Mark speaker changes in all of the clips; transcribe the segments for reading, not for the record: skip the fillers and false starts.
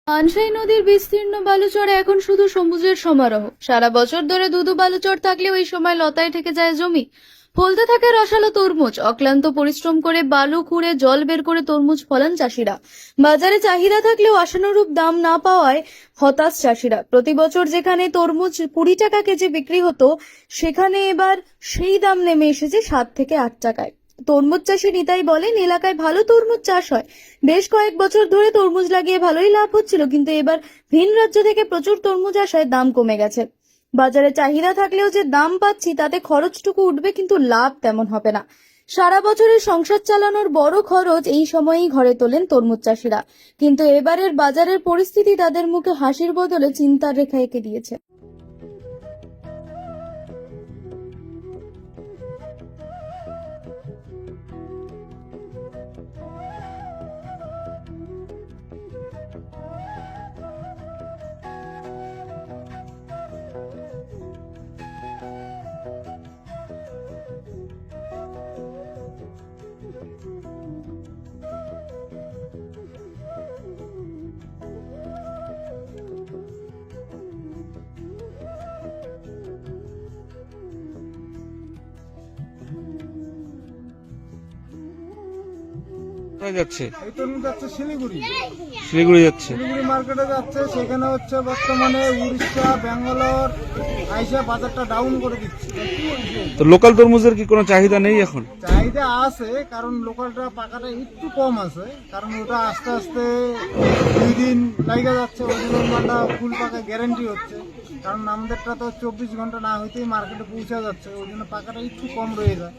Speaker 1: পানশাই নদীর বিস্তীর্ণ বালুচরে এখন শুধু সবুজের সমারোহ। সারা বছর ধরে ধুধু বালুচর থাকলেও এই সময় লতায় ঠেকে যায় জমি। ফলতে থাকে রসালো তরমুজ। অক্লান্ত পরিশ্রম করে বালু খুঁড়ে জল বের করে তরমুজ ফলান চাষিরা। বাজারে চাহিদা থাকলেও আশানুরূপ দাম না পাওয়ায় হতাশ চাষিরা। প্রতি বছর যেখানে তরমুজ 20 টাকা কেজি বিক্রি হতো, সেখানে এবার সেই দাম নেমে এসেছে 7 থেকে 8 টাকায়। তরমুজ চাষি নিতাই বলেন, এলাকায় ভালো তরমুজ চাষ হয়। বেশ কয়েক বছর ধরে তরমুজ লাগিয়ে ভালোই লাভ হচ্ছিল, কিন্তু এবার ভিন রাজ্য থেকে প্রচুর তরমুজ আসায় দাম কমে গেছে। বাজারে চাহিদা থাকলেও যে দাম পাচ্ছি তাতে খরচটুকু উঠবে, কিন্তু লাভ তেমন হবে না। সারা বছরের সংসার চালানোর বড় খরচ এই সময়েই ঘরে তোলেন তরমুজ চাষিরা, কিন্তু এবারের বাজারের পরিস্থিতি তাদের মুখে হাসির বদলে চিন্তার রেখা এঁকে দিয়েছে।
Speaker 2: কোথায় যাচ্ছে?
Speaker 3: এই তরমুজ যাচ্ছে শিলিগুড়ি।
Speaker 2: শিলিগুড়ি যাচ্ছে।
Speaker 3: শিলিগুড়ি মার্কেটে যাচ্ছে। সেখানে হচ্ছে বর্তমানে উড়িষ্যা, ব্যাঙ্গালোর আইসা বাজারটা ডাউন করে দিচ্ছে।
Speaker 2: তো লোকাল তরমুজের কি কোনো চাহিদা নেই এখন?
Speaker 3: চাহিদা আছে, কারণ লোকালটা পাকাটা একটু কম আছে, কারণ ওটা আস্তে আস্তে 2 দিন লাগা যাচ্ছে। ওই জন্য মালটা ফুল পাকা গ্যারেন্টি হচ্ছে, কারণ আমাদেরটা তো 24 ঘন্টা না হইতেই মার্কেটে পৌঁছে যাচ্ছে। ওই জন্য পাকাটা একটু কম রয়ে যায়।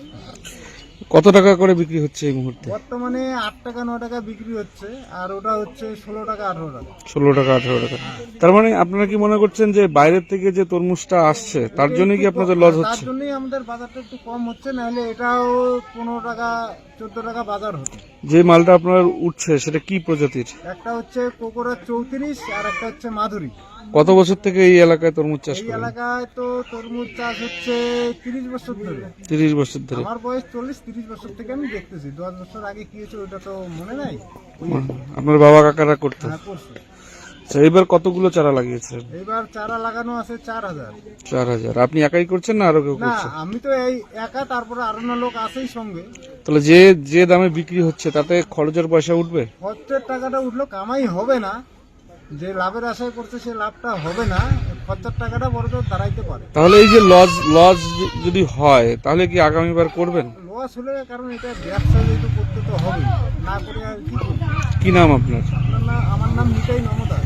Speaker 2: কত টাকা করে বিক্রি হচ্ছে এই মুহূর্তে?
Speaker 3: বর্তমানে 8 টাকা 9 টাকা বিক্রি হচ্ছে, আর ওটা হচ্ছে 16 টাকা 18 টাকা।
Speaker 2: 16 টাকা 18 টাকা। তার মানে আপনারা কি মনে করছেন যে বাইরের থেকে যে তরমুজটা আসছে তার জন্য কি আপনাদের লস হচ্ছে?
Speaker 3: তার জন্যই আমাদের বাজারটা একটু কম হচ্ছে, নাহলে এটাও 15 টাকা 14 টাকা বাজার হতো।
Speaker 2: যে মালটা আপনার উঠছে সেটা কি প্রজাতির?
Speaker 3: একটা হচ্ছে কোকোরা 34 আর একটা হচ্ছে মাধুরী।
Speaker 2: কত বছর থেকে এই এলাকায় তরমুজ চাষ
Speaker 3: এই
Speaker 2: করেন?
Speaker 3: এলাকায় তো তরমুজ চাষ হচ্ছে 30 বছর ধরে।
Speaker 2: 30 বছর ধরে।
Speaker 3: আমার বয়স 40-30 বছর থেকে আমি দেখতেছি। 10 বছর আগে কি হয়েছে ওটা তো মনে নাই।
Speaker 2: আপনার বাবা কাকারা করতেন?
Speaker 3: হ্যাঁ, করছে।
Speaker 2: আচ্ছা, এবার কতগুলো চারা লাগিয়েছেন?
Speaker 3: এইবার চারা লাগানো আছে 4000।
Speaker 2: 4000। আপনি একাই করছেন না আরো কেউ
Speaker 3: না,
Speaker 2: করছে?
Speaker 3: আমি তো এই একা, তারপরে আরো না লোক আছেই সঙ্গে।
Speaker 2: তাহলে যে দামে বিক্রি হচ্ছে তাতে খরচের পয়সা উঠবে?
Speaker 3: খরচের টাকাটা উঠলো, কামাই হবে না। যে লাভের আশায় করছে সে লাভটা হবে না। খরচার টাকাটা বড় তো দাঁড়াইতে পারে।
Speaker 2: তাহলে এই যে লস যদি হয় তাহলে কি আগামীবার করবেন?
Speaker 3: লস হলে, কারণ এটা ব্যবসা যেহেতু করতে তো হবে, না করে আর কি করবে।
Speaker 2: কি নাম আপনার?
Speaker 3: আমার নাম নিতাই নমদা।